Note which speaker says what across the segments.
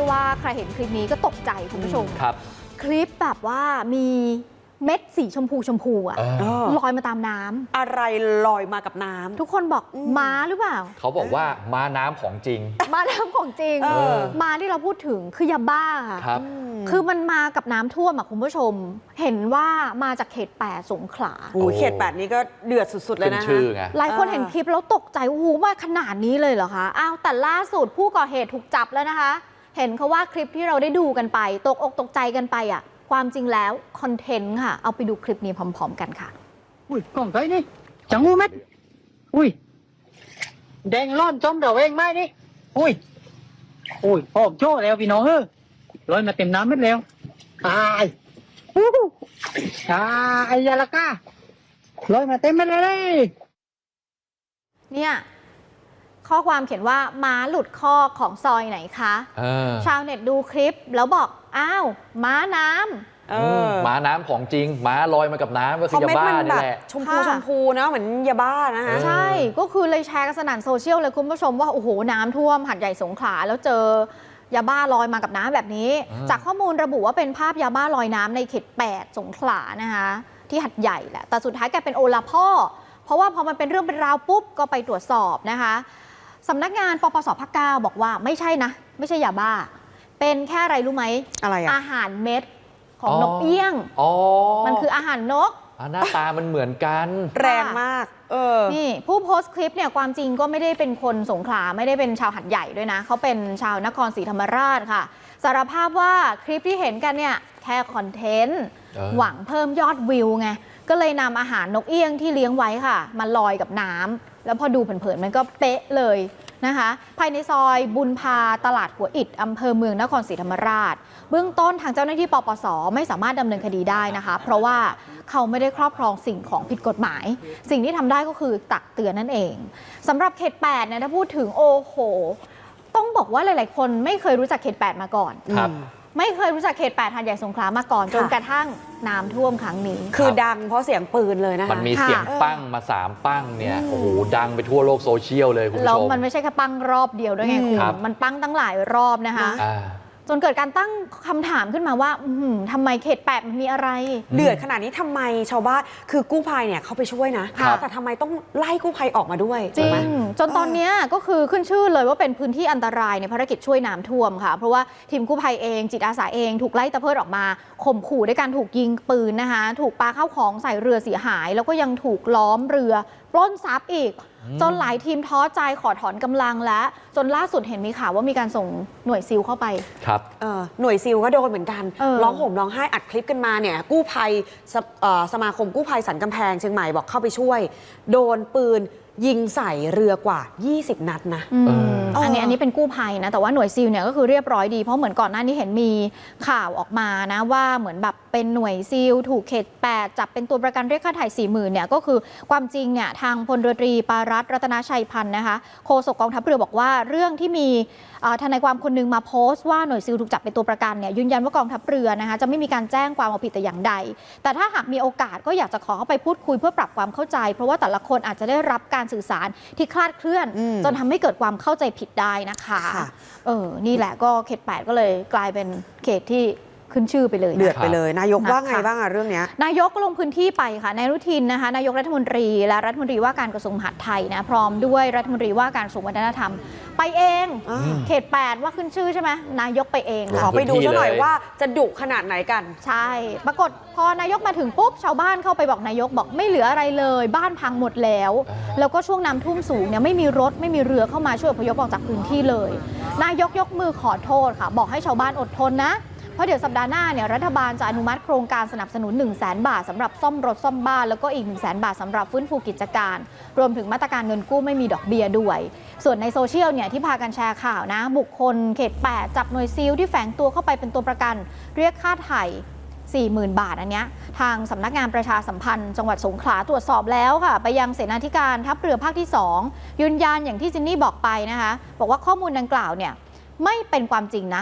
Speaker 1: ว่าใครเห็นคลิปนี้ก็ตกใจคุณผู้ชม
Speaker 2: ครับ
Speaker 1: คลิปแบบว่ามีเม็ดสีชมพูอะลอยมาตามน้ำ
Speaker 3: อะไรลอยมากับน้ำ
Speaker 1: ทุกคนบอกม้าหรือเปล่า
Speaker 2: เขาบอกว่าม้าน้ำของจริง
Speaker 1: ม้าน้ำของจริงม้าที่เราพูดถึงคือยาบ้าค่ะ
Speaker 2: ครับ
Speaker 1: คือมันมากับน้ำท่วมอะคุณผู้ชม เห็นว่ามาจากเขต8 สงขลา
Speaker 3: โอ้เขต8นี้ก็เดือดสุดๆเลยนะ
Speaker 2: ชื่อไง
Speaker 1: หลายคนเห็นคลิปแล้วตกใจโอ้โหมาขนาดนี้เลยเหรอคะอ้าวแต่ล่าสุดผู้ก่อเหตุถูกจับแล้วนะคะ เห็นเขาว่าคลิปที่เราได้ดูกันไปตกอกตกใจกันไปอะความจริงแล้วคอนเทนต์ค่ะเอาไปดูคลิปนี้พร้อมๆกันค่ะ
Speaker 4: อุ้ยกล้องไทยนี่จังหูเม็ดอุ้ยแดงร้อนจอมเดาเองไหมนี่อุ้ยพ่อโจ้แล้วพี่น้องลอยมาเต็มน้ำเม็ดแล้วตายตายยาละก้าลอยมาเต็มเม็ดเลย
Speaker 1: เนี่ยข้อความเขียนว่าม้าหลุดคอกของซอยไหนคะชาวเน็ตดูคลิปแล้วบอกอ้าวม้าน้ำ
Speaker 2: ม้าน้ำของจริงม้าลอยมากับน้ำก็คือยาบ้านี่แหละ
Speaker 3: ชมพูนะเหมือนยาบ้านะคะ
Speaker 1: ใช่ก็คือเลยแชร์กันสนั่นโซเชียลเลยคุณผู้ชมว่าโอ้โหน้ำท่วมหัดใหญ่สงขลาแล้วเจอยาบ้าลอยมากับน้ำแบบนี้จากข้อมูลระบุว่าเป็นภาพยาบ้าลอยน้ำในเขต8 สงขลานะคะที่หัดใหญ่แหละแต่สุดท้ายกลายเป็นโอลาพ่อเพราะว่าพอมันเป็นเรื่องเป็นราวปุ๊บก็ไปตรวจสอบนะคะสำนักงานปปสภาค 9บอกว่าไม่ใช่นะไม่ใช่ยาบ้าเป็นแค่อะไรรู้ไหม
Speaker 3: อะไร
Speaker 1: อาหารเม็ดของนกเอี้ยงมันคืออาหารนก
Speaker 2: หน้าตามันเหมือนกัน
Speaker 3: แรงมาก
Speaker 1: นี่ผู้โพสต์คลิปเนี่ยความจริงก็ไม่ได้เป็นคนสงขลาไม่ได้เป็นชาวหัดใหญ่ด้วยนะเขาเป็นชาวนครศรีธรรมราชค่ะสารภาพว่าคลิปที่เห็นกันเนี่ยแค่คอนเทนต์หวังเพิ่มยอดวิวไงก็เลยนำอาหารนกเอี้ยงที่เลี้ยงไว้ค่ะมาลอยกับน้ำแล้วพอดูเผินๆมันก็เป๊ะเลยนะคะภายในซอยบุญพาตลาดหัวอิฐอำเภอเมืองนครศรีธรรมราชเบื้องต้นทางเจ้าหน้าที่ปปสไม่สามารถดำเนินคดีได้นะคะเพราะว่าเขาไม่ได้ครอบครองสิ่งของผิดกฎหมายสิ่งที่ทำได้ก็คือตักเตือนนั่นเองสำหรับเขต8เนี่ยถ้าพูดถึงโอ้โหต้องบอกว่าหลายๆคนไม่เคยรู้จักเขต8มาก่อนไม่เคยรู้จักเขต8 หาดใหญ่สงขลามาก่อนจนกระทั่งน้ำท่วมครั้งนี้
Speaker 3: คือดังเพราะเสียงปืนเลยนะคะ
Speaker 2: มันมีเสียงปั้งมา3ปั้งเนี่ยโอ้โหดังไปทั่วโลกโซเชียลเลยคุณผู้ชม
Speaker 1: แล้วมันไม่ใช่แค่ปั้งรอบเดียวด้วยไงคุณมันปั้งตั้งหลายรอบนะคะจนเกิดการตั้งคำถามขึ้นมาว่าทำไมเขต8มันมีอะไร
Speaker 3: เดือดขนาดนี้ทำไมชาวบ้านคือกู้ภัยเนี่ยเขาไปช่วยนะแต่ทำไมต้องไล่กู้ภัยออกมาด้วย
Speaker 1: จริงจนตอนนี้ก็คือขึ้นชื่อเลยว่าเป็นพื้นที่อันตรายในภารกิจช่วยน้ำท่วมค่ะเพราะว่าทีมกู้ภัยเองจิตอาสาเองถูกไล่ตะเพิดออกมาข่มขู่ด้วยการถูกยิงปืนนะคะถูกปาข้าวของใส่เรือเสียหายแล้วก็ยังถูกล้อมเรือปล้นทรัพย์อีกจนหลายทีมท้อใจขอถอนกำลังและจนล่าสุดเห็นมีข่าวว่ามีการส่งหน่วยซิลเข้าไป
Speaker 2: ครับ
Speaker 3: หน่วยซิลก็โดนเหมือนกันร้องห่มร้องไห้อัดคลิปกันมาเนี่ยกู้ภัยสมาคมกู้ภัยสันกำแพงเชียงใหม่บอกเข้าไปช่วยโดนปืนยิงใส่เรือกว่า20 นัดนะ
Speaker 1: อันนี้เป็นกู้ภัยนะแต่ว่าหน่วยซิลเนี่ยก็คือเรียบร้อยดีเพราะเหมือนก่อนหน้านี้เห็นมีข่าวออกมานะว่าเหมือนแบบเป็นหน่วยซิลถูกเขต8จับเป็นตัวประกันเรียกค่าไถ่40,000เนี่ยก็คือความจริงเนี่ยทางพลเรือตรีปารัตน์รัตนชัยพันธ์นะคะโฆษกกองทัพเรือบอกว่าเรื่องที่มีทนายความคนนึงมาโพสต์ว่าหน่วยซิลถูกจับเป็นตัวประกันเนี่ยยืนยันว่ากองทัพเรือนะคะจะไม่มีการแจ้งความเอาผิดแต่อย่างใดแต่ถ้าหากมีโอกาสก็อยากจะขอเข้าไปพูดคุยเพื่อปรับความเข้าใจเพราะว่าแต่ละคนอาจจะได้รับการสื่อสารที่คลาดเคลื่อนจนทำให้เกิดความเข้าใจผิดได้นะคะนี่แหละก็เขต8ก็เลยกลายเป็นเขตที่ขึ้นชื่อไปเลย
Speaker 3: เดือดไปเลยนายกว่าไงบ้างเรื่องนี้
Speaker 1: นายกก็ลงพื้นที่ไปค่ะนายอนุทินนะคะนายกรัฐมนตรีและรัฐมนตรีว่าการกระทรวงมหาดไทยนะพร้อมด้วยรัฐมนตรีว่าการกระทรวงวัฒนธรรมไปเองเขต8ว่าขึ้นชื่อใช่ไหมนายกไปเอง
Speaker 3: ขอไปดูซะหน่อยว่าจะดุขนาดไหนกัน
Speaker 1: ใช่ปรากฏพอนายกมาถึงปุ๊บชาวบ้านเข้าไปบอกนายกบอกไม่เหลืออะไรเลยบ้านพังหมดแล้วแล้วก็ช่วงน้ำท่วมสูงเนี่ยไม่มีรถไม่มีเรือเข้ามาช่วยอพยพออกจากพื้นที่เลยนายกยกมือขอโทษค่ะบอกให้ชาวบ้านอดทนนะเพราะเดี๋ยวสัปดาห์หน้าเนี่ยรัฐบาลจะอนุมัติโครงการสนับสนุน 100,000 บาทสำหรับซ่อมรถซ่อมบ้านแล้วก็อีก 100,000 บาทสำหรับฟื้นฟูกิจการรวมถึงมาตรการเงินกู้ไม่มีดอกเบี้ยด้วยส่วนในโซเชียลเนี่ยที่พากันแชร์ข่าวนะบุคคลเขต8จับหน่วยซิลที่แฝงตัวเข้าไปเป็นตัวประกันเรียกค่าไถ่40,000 บาทอันเนี้ยทางสำนักงานประชาสัมพันธ์จังหวัดสงขลาตรวจสอบแล้วค่ะไปยังเสนาธิการทัพเรือภาคที่2ยืนยันอย่างที่จินนี่บอกไปนะคะบอกว่าข้อมูลดังกล่าวเนี่ยไม่เป็นความจริงนะ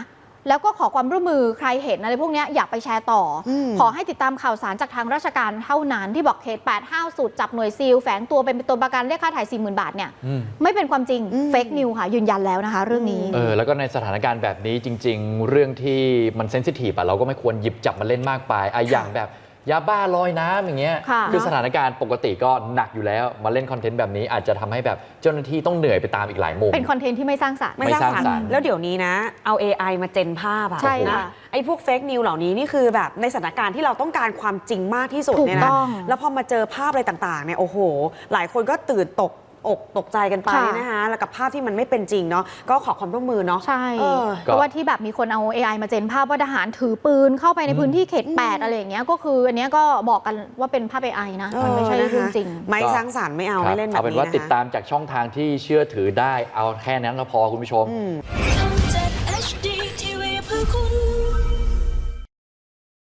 Speaker 1: แล้วก็ขอความร่วมมือใครเห็นอะไรพวกเนี้ยอย่าไปแชร์ต่ออ
Speaker 3: ม
Speaker 1: ขอให้ติดตามข่าวสารจากทางราชการเท่านั้นที่บอกเขต8ห้าวสุดจับหน่วยซีลแฝงตัวเป็นตัวประกันเรียกค่าถ่าย 40,000 บาทเนี่ย
Speaker 2: อืม
Speaker 1: ไม่เป็นความจริงเฟกนิวค่ะยืนยันแล้วนะคะเรื่องนี้
Speaker 2: แล้วก็ในสถานการณ์แบบนี้จริง ๆ เรื่องที่มันเซนซิทีฟเราก็ไม่ควรหยิบจับมาเล่นมากไปอย่างแบบยาบ้าลอยน้ำอย่างเงี้ย
Speaker 1: ค่ะ
Speaker 2: คือสถานการณ์ปกติก็หนักอยู่แล้วมาเล่นคอนเทนต์แบบนี้อาจจะทำให้แบบเจ้าหน้าที่ต้องเหนื่อยไปตามอีกหลายมุม
Speaker 1: เป็นคอนเทนต์ที่ไม่สร้างสรรค์
Speaker 3: ไม่สร้างสรร
Speaker 2: ไม่สร้างสรรค์
Speaker 3: ค์แล้วเดี๋ยวนี้นะ เอา AI มาเจนภาพอะ
Speaker 1: ใช่
Speaker 3: นะ
Speaker 1: ค่ะ
Speaker 3: ไอ้พวกเฟกนิวเหล่านี้นี่คือแบบในสถานการณ์ที่เราต้องการความจริงมากที่สุด
Speaker 1: ถูก
Speaker 3: เนี่ยนะ
Speaker 1: ต้อง
Speaker 3: แล้วพอมาเจอภาพอะไรต่างๆเนี่ยโอ้โห หลายคนก็ตื่นอกตกใจกันไป
Speaker 1: ค่ะ
Speaker 3: นะคะแล้วกับภาพที่มันไม่เป็นจริงเนาะก็ขอความร่วมมือเนาะ
Speaker 1: ใช่
Speaker 3: เออ
Speaker 1: เพราะว่าที่แบบมีคนเอา AI มาเจนภาพว่าทหารถือปืนเข้าไปในพื้นที่เขต 8 อะไรอย่างเงี้ยก็คืออันเนี้ยก็บอกกันว่าเป็นภาพ AI นะมันไม่ใช่เรื่องจริง
Speaker 3: ไม่สร้างสรรค์ไม่เอา
Speaker 2: ครับ
Speaker 3: ไม่เล่นแบบ
Speaker 2: เอาเป็น
Speaker 3: นี้
Speaker 2: ว่า
Speaker 3: นะคะ
Speaker 2: ติดตามจากช่องทางที่เชื่อถือได้เอาแค่นั้นก็พอคุณผู้ชม
Speaker 3: อืม
Speaker 5: ทำ